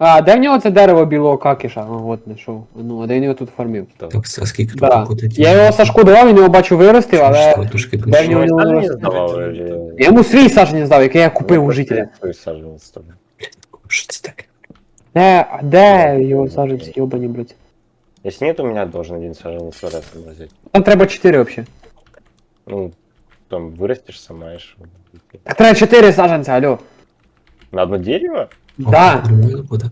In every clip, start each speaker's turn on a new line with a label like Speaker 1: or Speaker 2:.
Speaker 1: А, де в нього це дерево білого какіша? О, от знайшов. Ну, а де він його тут фармив?
Speaker 2: Так, а скільки тут
Speaker 1: Да.
Speaker 2: виходить?
Speaker 1: Я його Сашку давав, він його бачу виростив, але...
Speaker 2: Що, трошки
Speaker 1: Де в
Speaker 2: більше.
Speaker 1: нього
Speaker 3: Ну,
Speaker 1: не
Speaker 3: не
Speaker 1: виростив?
Speaker 3: сдавал.
Speaker 1: Я йому свій саджанець здав, який я купив у жителя.
Speaker 3: Сажал с тобой.
Speaker 2: Що це таке?
Speaker 1: Де його саджанці, йобані, блядь?
Speaker 3: Если нет, у меня должен один саженец вырасти взять.
Speaker 1: Там треба 4 вообще.
Speaker 3: Ну, там вырастешь сама и шо.
Speaker 1: Так треба 4 саджанця, алло.
Speaker 3: На одно дерево?
Speaker 1: Да.
Speaker 2: О, нормально буде.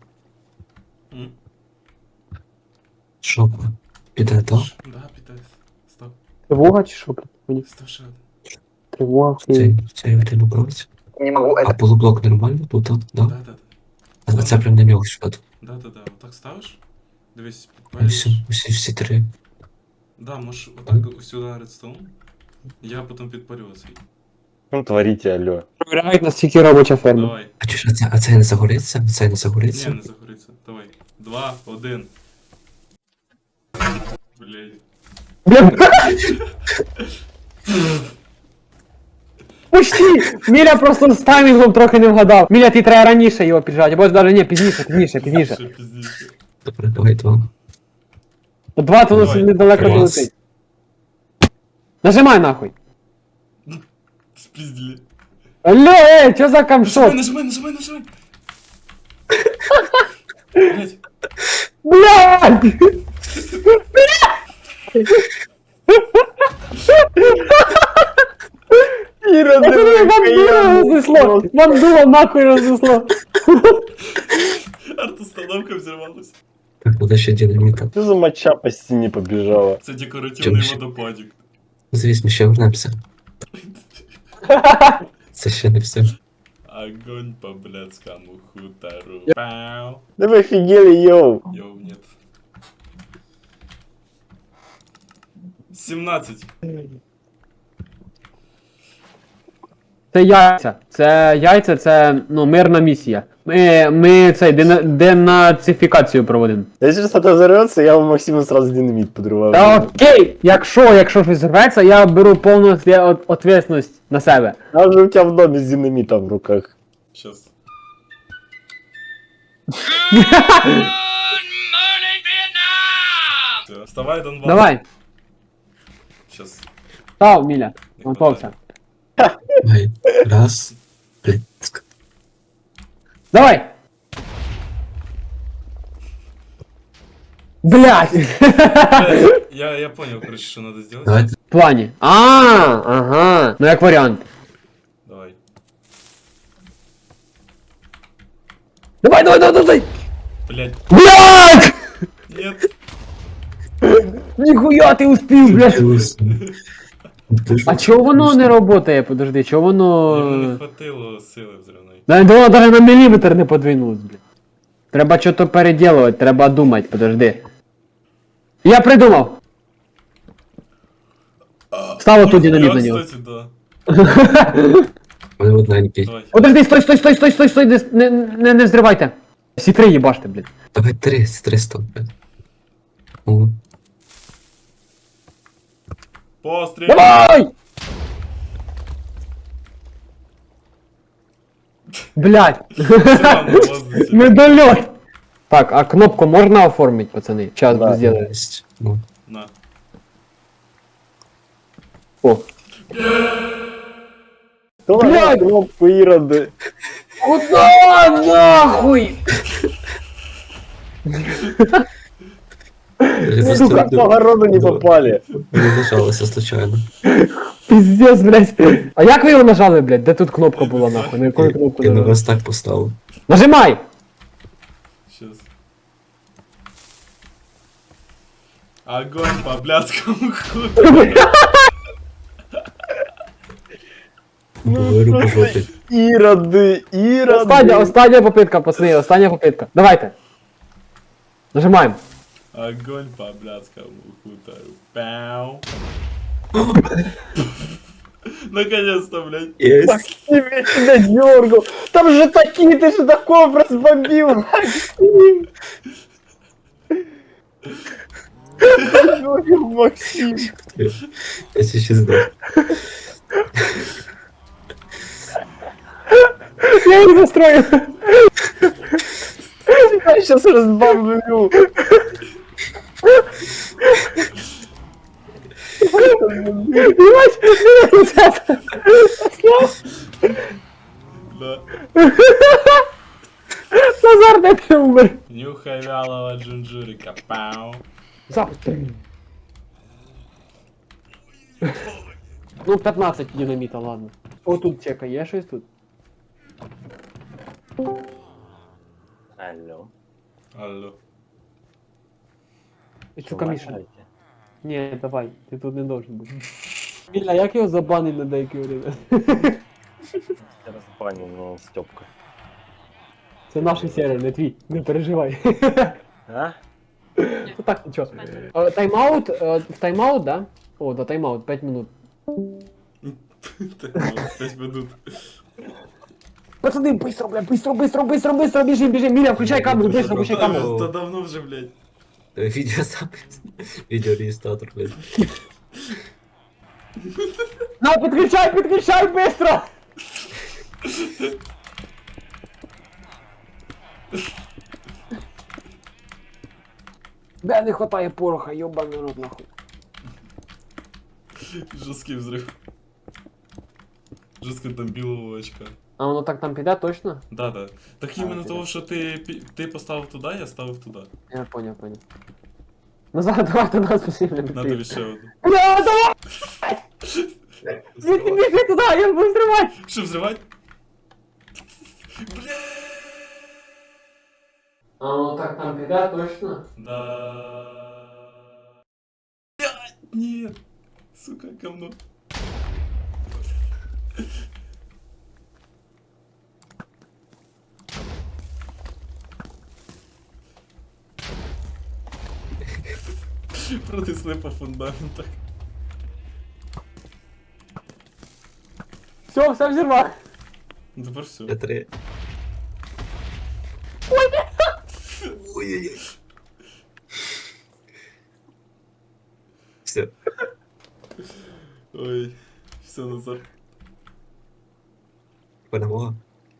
Speaker 2: Що? Піде, так?
Speaker 4: Да, питаюсь. Стоп.
Speaker 1: Тривога чи що, блядь? Мені
Speaker 4: Стоп, ще один.
Speaker 1: тривога.
Speaker 2: Цей один убрався.
Speaker 1: Не можу,
Speaker 2: А полублок нормально тут, так? Да?
Speaker 4: Да.
Speaker 2: А це прям на нього сюди.
Speaker 4: Да. Отак ставиш? Дивись,
Speaker 2: Всі,
Speaker 4: підпалюєш.
Speaker 2: всі три.
Speaker 4: Да, можеш отак сюди редстоун. Я потім підпалю оцей.
Speaker 3: Ну, творите, алло.
Speaker 1: Провіряють, наскільки робоча ферма.
Speaker 4: Давай.
Speaker 2: А чи ж, а це не загориться? Це не
Speaker 4: Ні,
Speaker 2: загориться?
Speaker 4: не загориться. Давай. 2, 1. Блядь.
Speaker 1: Почти! Міля просто з таймінгом трохи не вгадав. Міля, ти треба раніше його піджати, або навіть ні, пізніше.
Speaker 4: Ще пізніше.
Speaker 2: Добре, давай два.
Speaker 1: 2 то
Speaker 4: Давай.
Speaker 1: недалеко
Speaker 2: Раз.
Speaker 1: долетить. Нажимай нахуй.
Speaker 4: Спіздили.
Speaker 1: Алло, чо за камшот?
Speaker 4: Нажимай. Блядь.
Speaker 1: Блядь!
Speaker 3: Ира,
Speaker 1: Пацаны, бандула разнесло! Бандула нахуй разнесло!
Speaker 4: Арт-установка взорвалась.
Speaker 2: Так, буде ще динаміта.
Speaker 3: Что за моча по стене побежала?
Speaker 4: Це декоративний
Speaker 2: Чим?
Speaker 4: водопадик.
Speaker 2: Звісно, ще вернемося. Це ще не все.
Speaker 4: Огонь по блядскому хутору. Пау.
Speaker 3: Да вы офигели, йоу!
Speaker 4: Йоу, нет. 17.
Speaker 1: Це яйця, це, ну, мирна місія. Ми цей, денацифікацію проводимо.
Speaker 3: Если что-то взорвется, я у Максима сразу динамит подрываю.
Speaker 1: Та окей, якщо щось зірветься, я беру повну відповідальність на себе.
Speaker 3: А же у тебя в доме с динамитом в руках.
Speaker 4: Сейчас. Все, вставай, Донбасс.
Speaker 1: Давай,
Speaker 4: Сейчас.
Speaker 1: став, Міля, готовся.
Speaker 2: Давай. Раз. Блядь.
Speaker 1: Давай! Блять!
Speaker 4: Я понял, короче, что надо сделать.
Speaker 2: Давай.
Speaker 1: В плані. Ага. Ну як варіант.
Speaker 4: Давай.
Speaker 1: Давай!
Speaker 4: Блять.
Speaker 1: Блять!
Speaker 4: Нет.
Speaker 1: Ніхуя ти успів, блять!
Speaker 2: Ти ж-
Speaker 1: А чого воно не работає? Подожди, чого
Speaker 4: Ему не
Speaker 1: воно...
Speaker 4: хватило сили взрывной.
Speaker 1: Воно навіть на міліметр не подвинулось, блядь. Треба щось переділувати, треба думати, подожди. Я придумав! Стало тут динаміт на нього.
Speaker 4: Кстати, да.
Speaker 2: Вони одненький.
Speaker 4: Давай.
Speaker 1: Подожди, стой, не взривайте. Всі три їбаште, блядь.
Speaker 2: Давай 300. О,
Speaker 4: Пострел.
Speaker 1: Давай! Блядь,
Speaker 4: Всё, на воздухе.
Speaker 1: недольот! Так, а кнопку можна оформить, пацани? Сейчас
Speaker 3: Да.
Speaker 1: сделаю.
Speaker 2: єсть. Ну,
Speaker 4: На.
Speaker 1: О.
Speaker 3: Давай кнопку, Ироды.
Speaker 1: Куда нахуй?
Speaker 3: Сука, по огороду не попали.
Speaker 2: Не нажалося случайно.
Speaker 1: Пиздец, блядь. А як ви його нажали, блядь? Де тут кнопка була нахуй? На якою кнопку
Speaker 2: Я на
Speaker 1: нажали?
Speaker 2: вас так поставив.
Speaker 1: Нажимай!
Speaker 4: Сейчас. Огонь по блядскому хутору.
Speaker 2: Говорю по жопі.
Speaker 3: Ироды,
Speaker 1: Остання попитка, пацани, остання попитка. Давайте. Нажимаємо.
Speaker 4: Огонь по блядскому хутору. Пау. Наконец-то, блядь.
Speaker 2: Єсть.
Speaker 3: Максим, я тебя дергал. Там же такие, ты же такого разбомбил, Максим. Максим.
Speaker 2: Я ще здав.
Speaker 1: Я їх застрою.
Speaker 3: Я сейчас разбомблю.
Speaker 1: Ебать, ребята.
Speaker 4: Да.
Speaker 1: Назар, де ти умер?
Speaker 4: Нюхай вялого джунджурика. Пау.
Speaker 1: Запуск. Ну, 15 динаміта, ладно. О, тут чека, є щось тут?
Speaker 3: Алло.
Speaker 4: Алло.
Speaker 1: І сука, Міша.
Speaker 3: Помогайте.
Speaker 1: Ні, давай, ти тут не должен бути. Біля, як його забанить на деякі время?
Speaker 3: Я разбанил, но Степка.
Speaker 1: Це наш сервер, не твій, не переживай.
Speaker 3: А?
Speaker 1: Ну так, нічого. Тайм-аут, в тайм-аут, да? О, да, тайм-аут, 5 минут.
Speaker 4: Так, ну, 5 минут.
Speaker 1: Пацаны, быстро, бля, быстро, бежим, Миля, включай камеру, быстро, включай камеру.
Speaker 4: Та давно вже, блядь.
Speaker 2: Відеозапис. Відеореєстратор, блядь.
Speaker 1: На, подключай, быстро! Бля, не хватає пороха, ёбаный рот, нахуй.
Speaker 4: Жорсткий взрыв. Жорстко там білого очка.
Speaker 1: А воно так там піде, точно?
Speaker 4: Да. Так іменно
Speaker 1: ти
Speaker 4: того,
Speaker 1: да.
Speaker 4: що ти поставив туди, я ставив туди.
Speaker 1: Я понял. Назад, давай до нас посильно.
Speaker 4: На тобі ще одну.
Speaker 1: Бля, давай! Біжи туди, я буду взривати!
Speaker 4: Що взривати?
Speaker 1: А воно так там піде, точно?
Speaker 4: Да. Блядь, ні. Сука, говно. Протисли по фундаментах.
Speaker 1: Все взірвав.
Speaker 4: Ну, тепер все.
Speaker 2: Т3. Ой-ой-ой. Все.
Speaker 4: Ой, все назад.
Speaker 2: Перемога.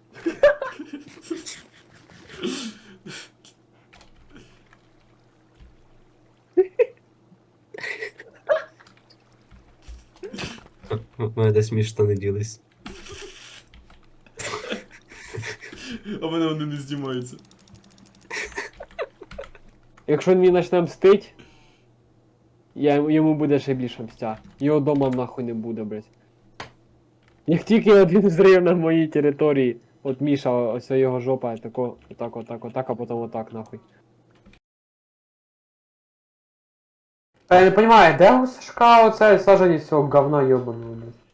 Speaker 2: У мене десь між штани ділись.
Speaker 4: А мене вони не знімаються.
Speaker 1: Якщо він мені почне мстить, йому буде ще більше мстя. Його дома нахуй не буде, блядь. Як тільки один зрив на моїй території, от Міша, ось його жопа, тако, отак, а потім отак нахуй. Я не розумію, де у Сашка оце саженість цього говна йобаного, блядь?